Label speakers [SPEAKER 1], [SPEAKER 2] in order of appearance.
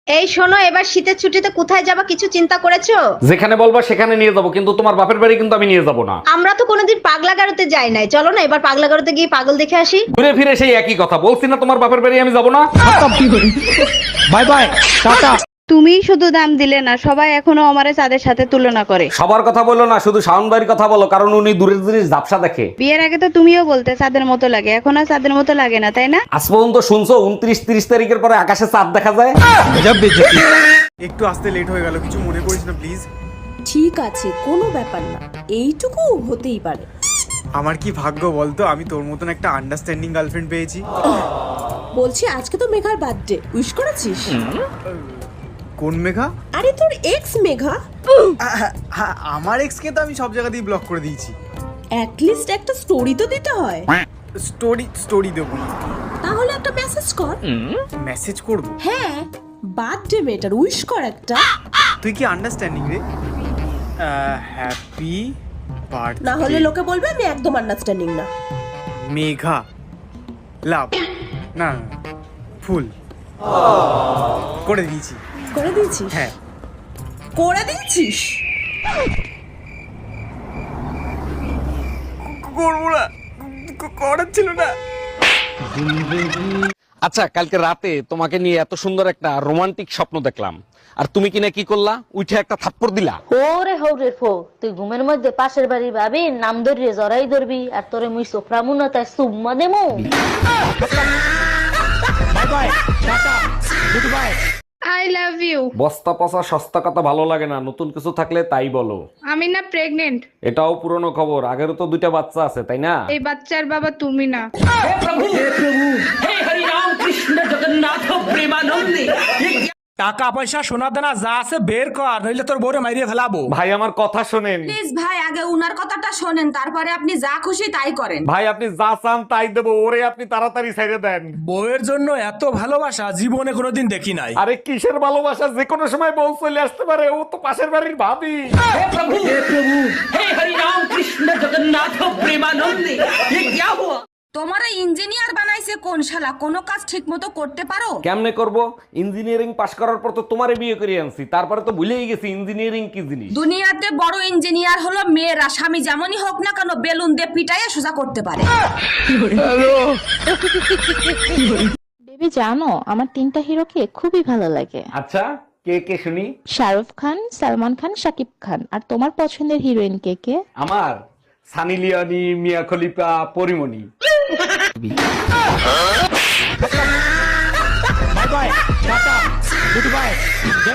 [SPEAKER 1] এই শোনো, এবার শীতের ছুটিতে কোথায় যাবা কিছু চিন্তা করেছো?
[SPEAKER 2] যেখানে বলবা সেখানে নিয়ে যাবো, কিন্তু তোমার বাপের বাড়ি কিন্তু আমি নিয়ে যাবো না।
[SPEAKER 1] আমরা তো কোনোদিন পাগলা গারোতে যাই নাই, চলো না এবার পাগলা গারোতে গিয়ে পাগল দেখে আসি।
[SPEAKER 2] ঘুরে ফিরে সেই একই কথা বলছি না, তোমার বাপের বাড়ি আমি যাবো না।
[SPEAKER 3] Bye bye, tata.
[SPEAKER 4] তুমিই শুধু দাম দিলে না, সবাই এখনো আমারে চাঁদের সাথে তুলনা করে।
[SPEAKER 2] সবার কথা বলো না, শুধু শাওন ভাইয়ের কথা বলো, কারণ উনি দূরের জিনিস ঝাপসা দেখে।
[SPEAKER 4] বিয়ের আগে তো তুমিও বলতে চাঁদের মতো লাগে, এখন আর চাঁদের মতো লাগে না, তাই না?
[SPEAKER 2] আজ পর্যন্ত শুনছো 29-30 তারিখের পরে আকাশে চাঁদ দেখা যায়?
[SPEAKER 5] একটু আসতে লেট হয়ে গেল, কিছু মনে করিস না প্লিজ।
[SPEAKER 6] ঠিক আছে, কোনো ব্যাপার না, এইটুকু হতেই পারে।
[SPEAKER 5] আমার কি ভাগ্য বলতো, আমি তোর মতন একটা আন্ডারস্ট্যান্ডিং গার্লফ্রেন্ড পেয়েছি।
[SPEAKER 6] বলছি আজকে তো মেঘার বার্থডে, উইশ করেছিস?
[SPEAKER 5] কোন মেঘা?
[SPEAKER 6] আরে তোর এক্স মেঘা।
[SPEAKER 5] আমার এক্সকে তো আমি সব জায়গাতেই ব্লক করে দিয়েছি।
[SPEAKER 6] অ্যাটলিস্ট একটা স্টোরি তো দিতে হয়।
[SPEAKER 5] স্টোরি দেবো না,
[SPEAKER 6] তাহলে একটা মেসেজ কর।
[SPEAKER 5] মেসেজ করব।
[SPEAKER 6] হ্যাঁ, বার্থডে মেটার উইশ কর একটা।
[SPEAKER 5] তুই কি আন্ডারস্ট্যান্ডিং রে? Happy birthday.
[SPEAKER 6] না হলে লোকে বলবে আমি একদম আন্ডারস্ট্যান্ডিং না।
[SPEAKER 5] মেঘা লাভ না, ফুল করে দিয়েছি।
[SPEAKER 6] করে দিয়েছিস?
[SPEAKER 5] হ্যাঁ
[SPEAKER 6] করে দিয়েছিস।
[SPEAKER 5] করবো না, করার ছিল না।
[SPEAKER 2] আচ্ছা, কালকে রাতে তোমাকে নিয়ে এত সুন্দর একটা রোমান্টিক স্বপ্ন দেখলাম, আর তুমি কিনা কি করলা, উঠে একটা থাপ্পড় দিলা।
[SPEAKER 7] ওরে হৌরে ফো, তুই ঘুমের মধ্যে পাশের বাড়ি ভাবি নাম ধরিয়ে জড়াই ধরবি, আর তোরে মুই সোফরামু না তাই সুম্মা দেমু।
[SPEAKER 3] Bye bye, tata, goodbye.
[SPEAKER 8] I love you.
[SPEAKER 2] বস্তা পচা সস্তা কথা ভালো লাগে না, নতুন কিছু থাকলে তাই বলো।
[SPEAKER 8] আমি না প্রেগনেন্ট।
[SPEAKER 2] এটাও পুরনো খবর, আগেরও তো 2টা বাচ্চা আছে, তাই না?
[SPEAKER 8] এই বাচ্চার বাবা তুমি না।
[SPEAKER 3] টাকা পয়সা সোনা দানা যা আছে বের কর, নইলে তোর বউরে মাইরিয়ে ফেলাবো।
[SPEAKER 2] ভাই আমার কথা শোনেন।
[SPEAKER 9] প্লিজ ভাই, আগে উনার কথাটা শোনেন, তারপরে আপনি যা খুশি তাই করেন।
[SPEAKER 2] ভাই আপনি যা চান তাই দেবো, ওরে আপনি তাড়াতাড়ি ছেড়ে দেন।
[SPEAKER 3] বউয়ের জন্য এত ভালোবাসা জীবনে কোনোদিন দেখি নাই।
[SPEAKER 2] আরে কিসের ভালোবাসা, যে কোনো সময় বউ চলে আসতে পারে, ও তো পাশের বাড়ির ভাবি।
[SPEAKER 9] তোমারে ইঞ্জিনিয়ার বানাইছে কোন শালা, কোনো কাজ ঠিক মতো করতে পারো?
[SPEAKER 2] কেমনে করব? ইঞ্জিনিয়ারিং পাশ করার পর তো তোমারে বিয়ে করে আনছি, তারপরে তো ভুলেই গেছি ইঞ্জিনিয়ারিং কি জিনিস।
[SPEAKER 9] দুনিয়াতে বড় ইঞ্জিনিয়ার হলো মেয়েরা, স্বামী যেমনই হোক না কেন বেলুন দিয়ে পিটাইয়া সোজা করতে পারে।
[SPEAKER 10] বেবি জানো, আমার 3টা হিরোকে খুবই ভালো লাগে।
[SPEAKER 2] আচ্ছা, কে কে শুনি?
[SPEAKER 10] শাহরুখ খান, সালমান খান, শাকিব খান। আর তোমার পছন্দের হিরোইন কে কে?
[SPEAKER 2] আমার Sunny Leone, Mia Khalifa, Porimoni.
[SPEAKER 3] Bye bye, tata, good bye.